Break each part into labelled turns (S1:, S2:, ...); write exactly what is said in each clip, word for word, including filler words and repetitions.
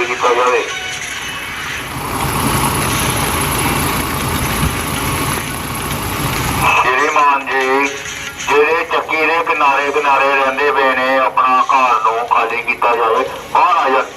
S1: ਕੀਤਾ ਜਾਵੇ। श्रीमान जी ਜਿਹੜੇ ਚੱਕੀ ਦੇ ਕਿਨਾਰੇ ਕਿਨਾਰੇ ਰਹਿੰਦੇ ਪਏ ਨੇ ਆਪਣਾ ਘਰ ਨੂੰ ਖਾਲੀ ਕੀਤਾ ਜਾਵੇ, ਬਾਹਰ ਆ ਜਾਣ।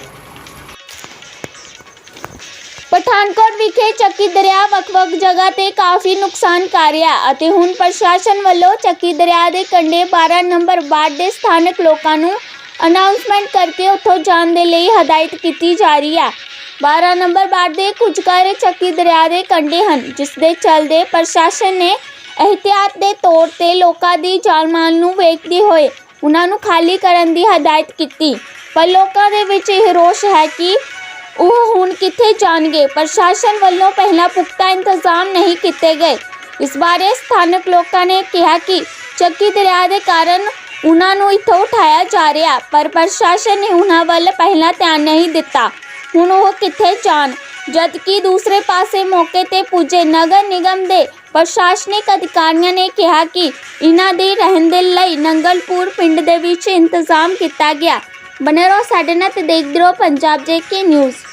S2: ਪਠਾਨਕੋਟ ਵਿਖੇ ਚੱਕੀ ਦਰਿਆ ਵੱਖ-ਵੱਖ ਜਗ੍ਹਾ ਤੇ ਕਾਫੀ ਨੁਕਸਾਨ ਕਰ ਰਿਹਾ ਅਤੇ ਹੁਣ ਪ੍ਰਸ਼ਾਸਨ ਵੱਲੋਂ ਚੱਕੀ ਦਰਿਆ ਦੇ ਕੰਢੇ ਬਾਰਾਂ ਨੰਬਰ ਵਾਰਡ ਦੇ ਸਥਾਨਕ ਲੋਕਾਂ ਨੂੰ ਅਨਾਉਂਸਮੈਂਟ ਕਰਕੇ ਉੱਥੋਂ ਜਾਣ ਦੇ ਲਈ ਹਦਾਇਤ ਕੀਤੀ ਜਾ ਰਹੀ ਹੈ। ਬਾਰਾਂ ਨੰਬਰ ਵਾਰਡ ਦੇ ਕੁਝ ਘਰ ਚੱਕੀ ਦਰਿਆ ਦੇ ਕੰਢੇ ਹਨ, ਜਿਸ ਦੇ ਚੱਲਦੇ ਪ੍ਰਸ਼ਾਸਨ ਨੇ एहतियात के तौर पर लोगों की जान माल नूं वेखदे होए उन्होंने खाली करने की हदायत की, पर लोगों के विच यह रोष है कि वह हुण कित्थे जाणगे। प्रशासन वालों पहला पुख्ता इंतजाम नहीं किए गए। इस बारे स्थानक लोगों ने कहा कि ਚੱਕੀ दरिया के कारण उन्होंने इत्थों उठाया जा रहा, पर प्रशासन ने उन्होंने वल पहला ध्यान नहीं दिता। हुण वह कित्थे जाण, जबकि दूसरे पासे मौके ते पुजे नगर निगम के प्रशासनिक अधिकारियों ने कहा कि इन्हां दे रहण दे लई नंगलपुर पिंड दे विच इंतजाम किया गया। बने रहो साडे नाल ते देखदे रहो पंजाब जेके न्यूज़।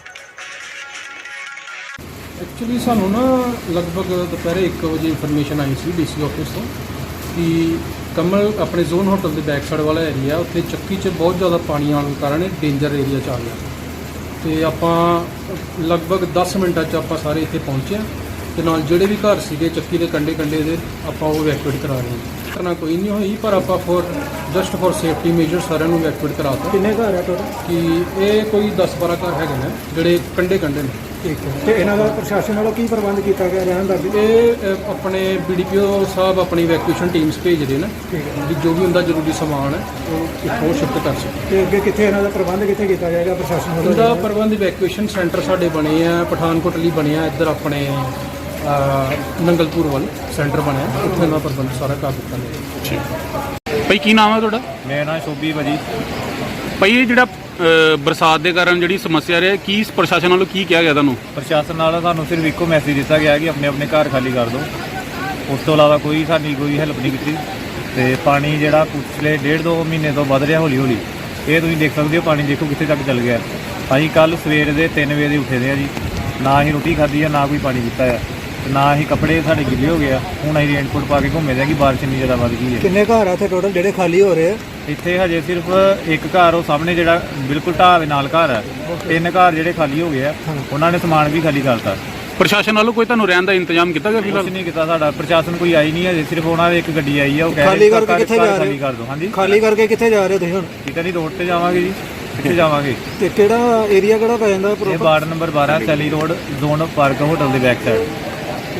S3: एक्चुअली सानू ना लगभग दोपहर एक बजे इन्फॉर्मेशन आई सी डी सी ऑफिस तो कि कमल अपने जोन होटल के बैक साइड वाला एरिया उत्थे ਚੱਕੀ 'ਚ बहुत ज़्यादा पानी आने के कारण डेंजर एरिया 'ਚ आ गया तो ਆਪਾਂ लगभग दस मिनटां 'ਚ ਆਪਾਂ ਸਾਰੇ ਇੱਥੇ ਪਹੁੰਚੇ ਤੇ ਨਾਲ ਜਿਹੜੇ ਵੀ ਘਰ ਸੀਗੇ ਚੱਕੀ ਦੇ ਕੰਢੇ ਕੰਢੇ ਦੇ ਆਪਾਂ ਉਹ ਇਵੈਕੂਏਟ ਕਰਾ ਰਹੇ ਹਾਂ। ਕਰਨਾ ਕੋਈ ਨਹੀਂ ਹੋਈ, ਪਰ ਆਪਾਂ for just for safety major ਸਾਰਿਆਂ ਨੂੰ ਇਵੈਕੂਏਟ ਕਰਾ ਦਿੱਤਾ।
S4: ਕਿੰਨੇ ਘਰ ਆ ਟੋਟਲ?
S3: ਕਿ ਇਹ ਕੋਈ ਦਸ ਬਾਰਾਂ ਘਰ ਹੈਗੇ ਨੇ ਜਿਹੜੇ ਕੰਢੇ ਕੰਢੇ ਨੇ।
S4: ਠੀਕ ਹੈ, ਤੇ ਇਹਨਾਂ ਦਾ ਪ੍ਰਸ਼ਾਸਨ ਵੱਲੋਂ ਕੀ ਪ੍ਰਬੰਧ ਕੀਤਾ ਗਿਆ ਰਹਿਣ ਦਾ?
S3: ਇਹ ਅ, ਆਪਣੇ ਬੀ ਡੀ ਪੀ ਓ ਸਾਹਿਬ ਆਪਣੀ ਇਵੈਕੂਏਸ਼ਨ ਟੀਮਸ ਭੇਜਦੇ ਨੇ, ਵੀ ਜੋ ਵੀ ਹੁੰਦਾ ਜ਼ਰੂਰੀ ਸਮਾਨ ਹੈ ਉਹ ਇੱਥੋਂ ਸ਼ਿਫਟ ਕਰ ਸਕਣ।
S4: ਤੇ ਅੱਗੇ ਕਿੱਥੇ ਇਹਨਾਂ ਦਾ ਪ੍ਰਬੰਧ ਕਿੱਥੇ ਕੀਤਾ ਜਾਏਗਾ ਪ੍ਰਸ਼ਾਸਨ ਵੱਲੋਂ?
S3: ਇਹਦਾ ਪ੍ਰਬੰਧ ਇਵੈਕੂਏਸ਼ਨ ਸੈਂਟਰ ਸਾਡੇ ਬਣੇ ਆ ਪਠਾਨਕੋਟ ਲਈ ਬਣਿਆ, ਇੱਧਰ ਆਪਣੇ ਨੰਗਲਪੁਰ ਵੱਲ ਸੈਂਟਰ ਬਣਿਆ, ਉੱਥੇ ਦਾ ਪ੍ਰਬੰਧ ਸਾਰਾ ਕਰ ਦਿੱਤਾ ਗਿਆ।
S5: ਭਾਈ ਕੀ ਨਾਮ ਹੈ ਤੁਹਾਡਾ?
S6: ਮੇਰਾ ਨਾਮ ਸ਼ੋਭੀ ਭਾਜੀ।
S5: ਭਾਈ ਇਹ ਜਿਹੜਾ ਅ, ਬਰਸਾਤ ਦੇ ਕਾਰਨ ਜਿਹੜੀ ਸਮੱਸਿਆ ਰਹੀ, ਕੀ ਪ੍ਰਸ਼ਾਸਨ ਵੱਲੋਂ ਕੀ ਕਿਹਾ ਗਿਆ ਤੁਹਾਨੂੰ?
S6: ਪ੍ਰਸ਼ਾਸਨ ਨਾਲ ਸਾਨੂੰ ਸਿਰਫ ਇੱਕੋ ਮੈਸੇਜ ਦਿੱਤਾ ਗਿਆ ਕਿ ਆਪਣੇ ਆਪਣੇ ਘਰ ਖਾਲੀ ਕਰ ਦਿਓ। ਉਸ ਤੋਂ ਇਲਾਵਾ ਕੋਈ ਸਾਡੀ ਕੋਈ ਹੈਲਪ ਨਹੀਂ ਕੀਤੀ। ਤੇ ਪਾਣੀ ਜਿਹੜਾ ਪਿਛਲੇ ਡੇਢ ਦੋ ਮਹੀਨੇ ਤੋਂ ਵੱਧ ਰਿਹਾ ਹੌਲੀ ਹੌਲੀ, ਇਹ ਤੁਸੀਂ ਦੇਖ ਸਕਦੇ ਹੋ। ਪਾਣੀ ਦੇਖੋ ਕਿੱਥੇ ਤੱਕ ਚੱਲ ਗਿਆ। ਅਸੀਂ ਕੱਲ੍ਹ ਸਵੇਰ ਦੇ ਤਿੰਨ ਵਜੇ ਦੇ ਉੱਠੇ ਦੇ ਆ ਜੀ, ਨਾ ਹੀ ਰੋਟੀ ਖਾਧੀ ਆ, ਨਾ ਕੋਈ ਪਾਣੀ ਪੀਤਾ ਆ, ਤੇ ਨਾ ਹੀ ਕੱਪੜੇ ਸਾਡੇ ਗਿੱਲੇ ਹੋ ਗਏ ਆ। ਹੁਣ ਅਸੀਂ ਰੇਨਕੋਟ ਪਾ ਕੇ ਘੁੰਮੇ ਦੇ ਆ ਕਿ ਬਾਰਿਸ਼ ਇੰਨੀ ਜ਼ਿਆਦਾ ਵੱਧ ਗਈ ਹੈ।
S4: ਕਿੰਨੇ ਘਰ ਆ ਇੱਥੇ ਟੋਟਲ ਜਿਹੜੇ ਖਾਲੀ ਹੋ ਰਹੇ ਆ?
S6: ਇੱਥੇ ਹਜੇ ਸਿਰਫ ਇੱਕ ਘਰ ਉਹ ਸਾਹਮਣੇ ਜਿਹੜਾ ਬਿਲਕੁਲ ਢਾਹ ਦੇ ਨਾਲ ਘਰ ਹੈ, ਤਿੰਨ ਘਰ ਜਿਹੜੇ ਖਾਲੀ ਹੋ ਗਏ ਆ, ਉਹਨਾਂ ਨੇ ਸਮਾਨ ਵੀ ਖਾਲੀ ਕਰਤਾ।
S5: ਪ੍ਰਸ਼ਾਸਨ ਵੱਲੋਂ ਕੋਈ ਤੁਹਾਨੂੰ ਰਹਿਣ ਦਾ ਇੰਤਜ਼ਾਮ ਕੀਤਾ ਗਿਆ? ਫਿਲਹਾਲ
S6: ਕੁਛ ਨਹੀਂ ਕੀਤਾ ਸਾਡਾ ਪ੍ਰਸ਼ਾਸਨ, ਕੋਈ ਆਈ ਨਹੀਂ ਹਜੇ। ਸਿਰਫ ਉਹਨਾਂ ਦੀ ਇੱਕ ਗੱਡੀ ਆਈ ਆ, ਉਹ ਕਹਿ
S4: ਖਾਲੀ
S6: ਰਹੇ
S4: ਕਰਕੇ ਕਿੱਥੇ ਜਾ ਰਹੇ
S6: ਖਾਲੀ ਕਰ ਦਿਓ। ਹਾਂਜੀ,
S4: ਖਾਲੀ ਕਰਕੇ ਕਿੱਥੇ ਜਾ ਰਹੇ ਹੋ ਤੁਸੀਂ ਹੁਣ?
S6: ਕਿਤੇ ਨਹੀਂ, ਰੋਡ ਤੇ ਜਾਵਾਂਗੇ ਜੀ। ਕਿੱਥੇ ਜਾਵਾਂਗੇ?
S4: ਤੇ ਕਿਹੜਾ ਏਰੀਆ ਕਿਹੜਾ ਪੈ ਜਾਂਦਾ?
S6: ਇਹ ਵਾਰਡ ਨੰਬਰ ਬਾਰਾਂ Saili road, zone park hotel ਦੇ ਬੈਕ ਸਾਈਡ।